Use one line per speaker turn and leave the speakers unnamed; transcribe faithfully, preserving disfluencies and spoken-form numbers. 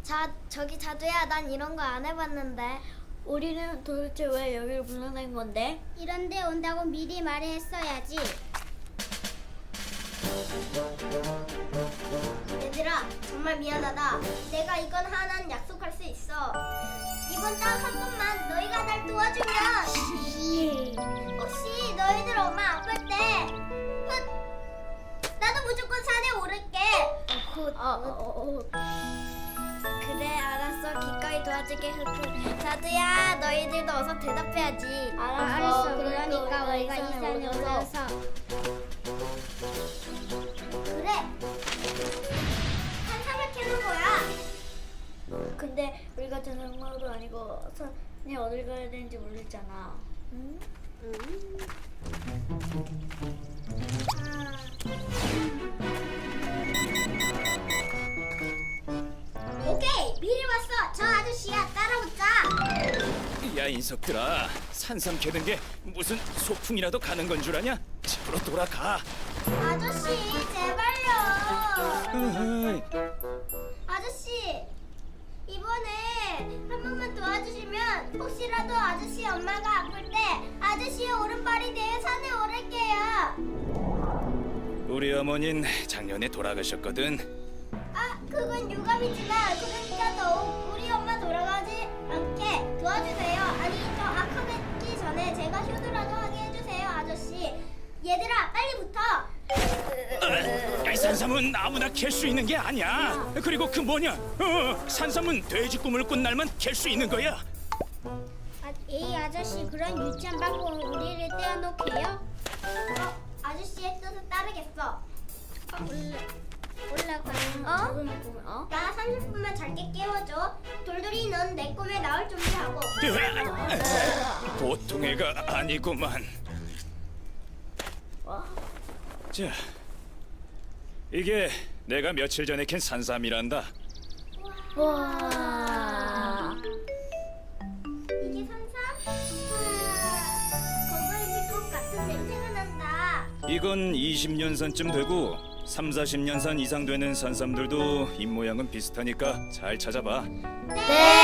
자, 저기 자두야, 난 이런 거 안 해봤는데.
우리는 도대체 왜 여기를 불러낸 건데?
이런데 온다고 미리 말했어야지.
얘들아, 정말 미안하다. 내가 이건 하나는 약속할 수 있어. 이번 딱 한 번만 너희가 날 도와주면 혹시 너희들 엄마 아플 때 훗, 나도 무조건 산에 오를게.
어, 어, 어.
그래, 알았어. 기꺼이 도와줄게. 흑흑. 자두야, 너희들도 어서 대답해야지.
알았어. 그러니까 우리가 이 산에 올라서.
그래. 산삼을 캐는 거야.
근데 우리가 전화도 아니고 산에 어딜 가야 되는지 모르잖아. 응?
오케이, 미리 왔어. 저 아저씨야, 따라오자.
야 인석들아, 산삼 캐는 게 무슨 소풍이라도 가는 건 줄 아냐? 집으로 돌아가.
아저씨, 제발요.
으흐이.
아저씨, 이번에 한 번만 도와주시면 혹시라도 아저씨 엄마가 아플 때 아저씨의 오른발이 되어 산에 오를게요.
우리 어머닌 작년에 돌아가셨거든.
아, 그건 유감이지만 그러니까 더욱 우리 엄마 돌아가지 않게 도와주세요. 아니, 저 악하기 전에 제가 효도라도 하게 해주세요, 아저씨. 얘들아, 빨리 붙어.
야, 이 산삼은 아무나 캘 수 있는 게 아니야. 그리고 그 뭐냐? 어, 산삼은 돼지 꿈을 꾼 날만 캘 수 있는 거야.
아, 이 아저씨 그런 유치한 방법은 우리를 떼어놓게요?
어, 아저씨의 뜻을 따르겠어.
올라가는
어?
어?
나 삼십 분만 잘게 깨워줘. 돌돌이, 넌 내 꿈에 나올 준비하고.
보통 애가 아니구만. 자, 이게 내가 며칠 전에 캔 산삼이란다.
와.
이게 산삼? 아, 건강해질 것 같은 냄새가 난다.
이건 이십 년 산쯤 되고 삼사십 년 산 이상 되는 산삼들도 입모양은 비슷하니까 잘 찾아봐.
네.